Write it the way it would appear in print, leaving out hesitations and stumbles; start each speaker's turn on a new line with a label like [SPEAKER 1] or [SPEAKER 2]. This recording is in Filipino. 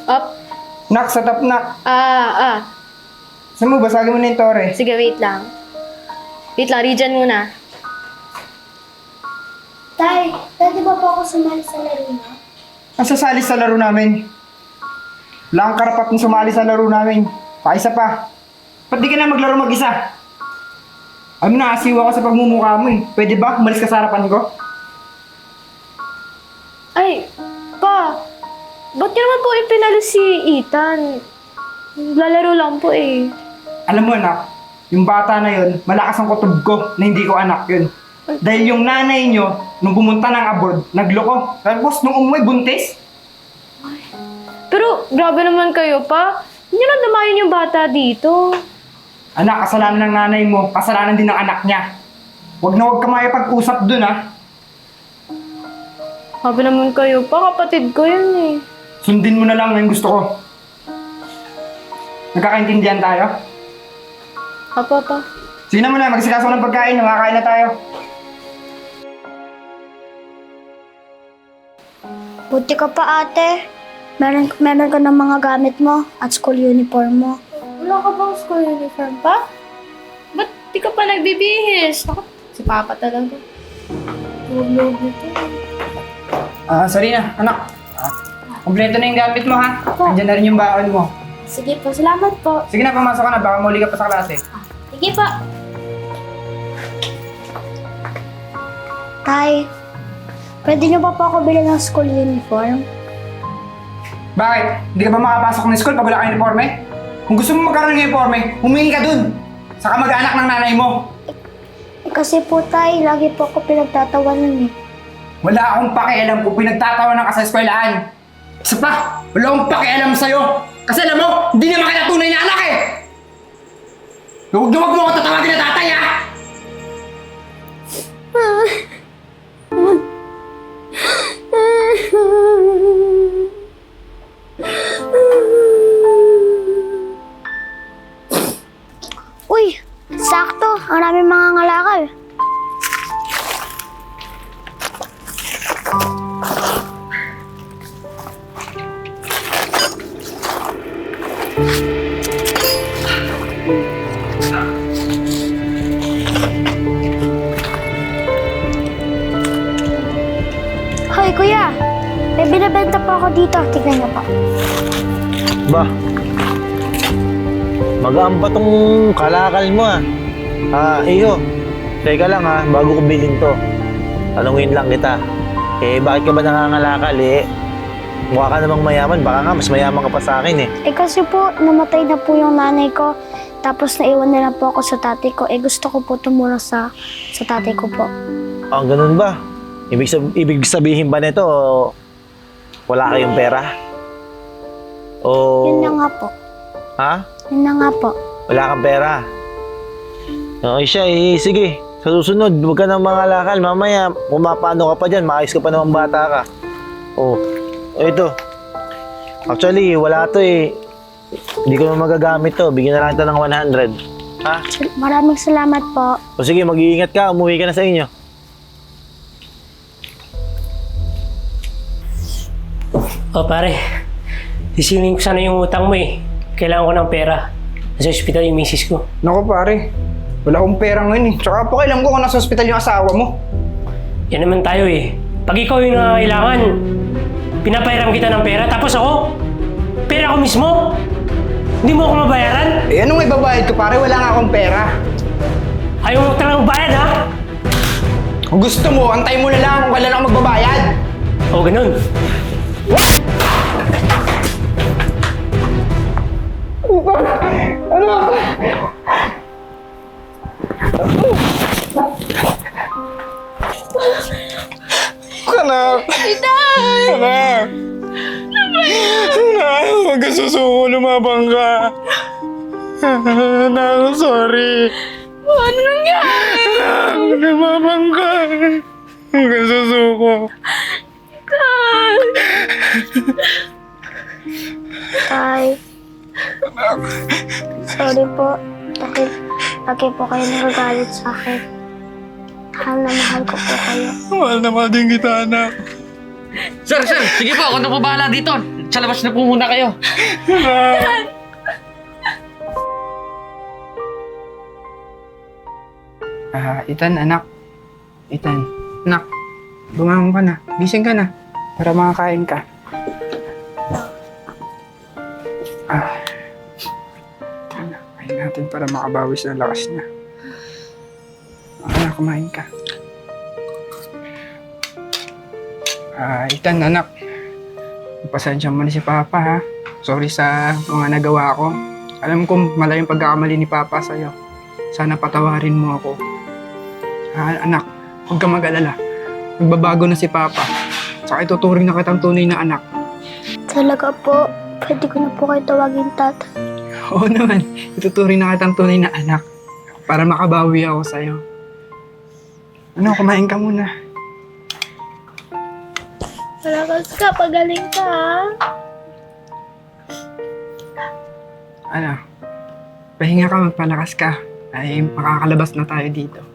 [SPEAKER 1] Up.
[SPEAKER 2] Nak, sa top nak.
[SPEAKER 1] Ah.
[SPEAKER 2] Saan mo, basagin mo na yung tore.
[SPEAKER 1] Sige, wait lang. Wait lang, Rijan muna.
[SPEAKER 3] Tay, pwede ba po ako sumali sa laro na?
[SPEAKER 2] Ang sasali sa laro namin. Wala kang karapat na sumali sa laro namin. Paisa pa. Ba't di ka na maglaro mag-isa? Alam mo na, asiwa ka sa pagmumukha mo eh. Pwede ba? Umalis ka sa harapan ko?
[SPEAKER 1] Ay, pa. Ba't niyo naman po ipinalo si Ethan? Lalaro lang po eh.
[SPEAKER 2] Alam mo anak, yung bata na yun, malakas ang kutob ko na hindi ko anak yun. Dahil yung nanay nyo, nung pumunta ng abroad, nagloko. Tapos nung umuwi, buntis.
[SPEAKER 1] Pero grabe naman kayo pa. Hindi nyo nadamayan yung bata dito.
[SPEAKER 2] Anak, kasalanan ng nanay mo, kasalanan din ng anak niya. Huwag na huwag ka makipag-usap dun ha.
[SPEAKER 1] Grabe naman kayo pa, kapatid ko yun eh.
[SPEAKER 2] Sundin mo na lang yung gusto ko. Nagkakaintindihan tayo?
[SPEAKER 1] Pa.
[SPEAKER 2] Sige na muna, magsikaso ng pagkain, makakain na tayo.
[SPEAKER 3] Buti ka pa ate. Meron ka ng mga gamit mo at school uniform mo.
[SPEAKER 1] Wala ka bang school uniform pa? Ba't di ka pa nagbibihis? Ako, si Papa talaga. Log ito.
[SPEAKER 2] Sarina, anak. Kompleto na yung gamit mo ha. Nandiyan na rin yung baon mo.
[SPEAKER 3] Sige po, salamat po.
[SPEAKER 2] Sige na, pumasok ka na, baka muli ka pa sa klase.
[SPEAKER 3] Sige po. Tay, pwede niyo pa po ako bilhin ng school uniform?
[SPEAKER 2] Bakit? Hindi ka ba makapasok ng school pag wala kang uniforme? Kung gusto mo magkaroon ng uniforme, humingi ka dun. Sa kamag-anak ng nanay mo.
[SPEAKER 3] Kasi po tay, lagi po ako pinagtatawanan eh.
[SPEAKER 2] Wala akong pakialam kung pinagtatawanan ka sa eskwelahan. Isa pa, wala akong pakialam sa'yo. Kasi alam mo, hindi naman kita tunay na anak eh! Huwag na huwag mo ako tatawagin na tatay ha!
[SPEAKER 3] Uy, sakto. Ang daming mga ngalakal. Hoy, kuya. May binibenta po ako dito. Tignan niyo po.
[SPEAKER 4] Ba? Magaan pa tong kalakal mo ah. Iyo. Teka lang ha, bago ko bilhin to. Tanungin lang kita. Bakit ka ba nangangalakal mukha ka namang mayaman, baka nga mas mayaman ka pa sa akin
[SPEAKER 3] Kasi po, namatay na po yung nanay ko. Tapos naiwan na lang po ako sa tatay ko. Gusto ko po tumulong sa tatay ko po.
[SPEAKER 4] Ganun ba? Ibig sabihin ba nito, wala kayong pera?
[SPEAKER 3] Yun na nga po.
[SPEAKER 4] Ha?
[SPEAKER 3] Yun na nga po.
[SPEAKER 4] Wala kang pera? Okay siya sige. Sa susunod, huwag ka nang mangalakal. Mamaya, pumapano ka pa dyan, maayos ka pa namang bata ka. Ito. Actually, wala to Hindi ko na magagamit to. Bigyan na lang ito ng 100. Ha?
[SPEAKER 3] Maraming salamat po.
[SPEAKER 4] Sige, mag-iingat ka. Umuwi ka na sa inyo.
[SPEAKER 5] Pare, sisingin ko sana yung utang mo Kailangan ko ng pera. Nasa ospital yung misis ko.
[SPEAKER 2] Naku pare, wala akong pera ngayon Tsaka po kailan ko kung nasa ospital yung asawa mo.
[SPEAKER 5] Yan naman tayo Pag ikaw yung nangangailangan, pinapairam kita ng pera. Tapos ako, pera ko mismo. Hindi mo ako mabayaran.
[SPEAKER 2] Anong ibabayad ko pare? Wala nga akong pera.
[SPEAKER 5] Ayaw mo talagang bayad ha?
[SPEAKER 2] Kung gusto mo, antay mo na lang kung kailan ako magbabayad.
[SPEAKER 5] Ganun.
[SPEAKER 2] Ano? Anak! Anak! Anak! Huwag ka susuko, lumabang ka. Anak, sorry.
[SPEAKER 1] Ano nangyari?
[SPEAKER 2] Anak, lumabang ka. Huwag ka susuko.
[SPEAKER 3] Tay. Sorry po. Dahil lagi po kayo nagagalit sa akin. Mahal na mahal ko po kayo.
[SPEAKER 2] Mahal na mahal din kita, anak.
[SPEAKER 6] Sir, sige po, ako na po bahala dito. Sa labas na po muna kayo.
[SPEAKER 2] Ethan, anak. Ethan, anak. Bumangon ka na. Gising ka na. Para makakain ka. Anak, kain natin para makabawi sa lakas niya. Anak, kumain ka. Ethan, anak. Pasensya mo na si Papa, ha? Sorry sa mga nagawa ko. Alam ko malayong pagkakamali ni Papa sa'yo. Sana patawarin mo ako. Anak, huwag ka mag-alala. Magbabago na si Papa. Saka ituturing na kitang tunay na anak.
[SPEAKER 3] Talaga po, pwede ko na po kayo tawagin tatay.
[SPEAKER 2] Oo naman, ituturing na kitang tunay na anak. Para makabawi ako sa'yo. Ano, kumain ka muna.
[SPEAKER 1] Malakas ka, pagaling ka ha.
[SPEAKER 2] Ano, pahinga ka, magpalakas ka. Ay, makakalabas na tayo dito.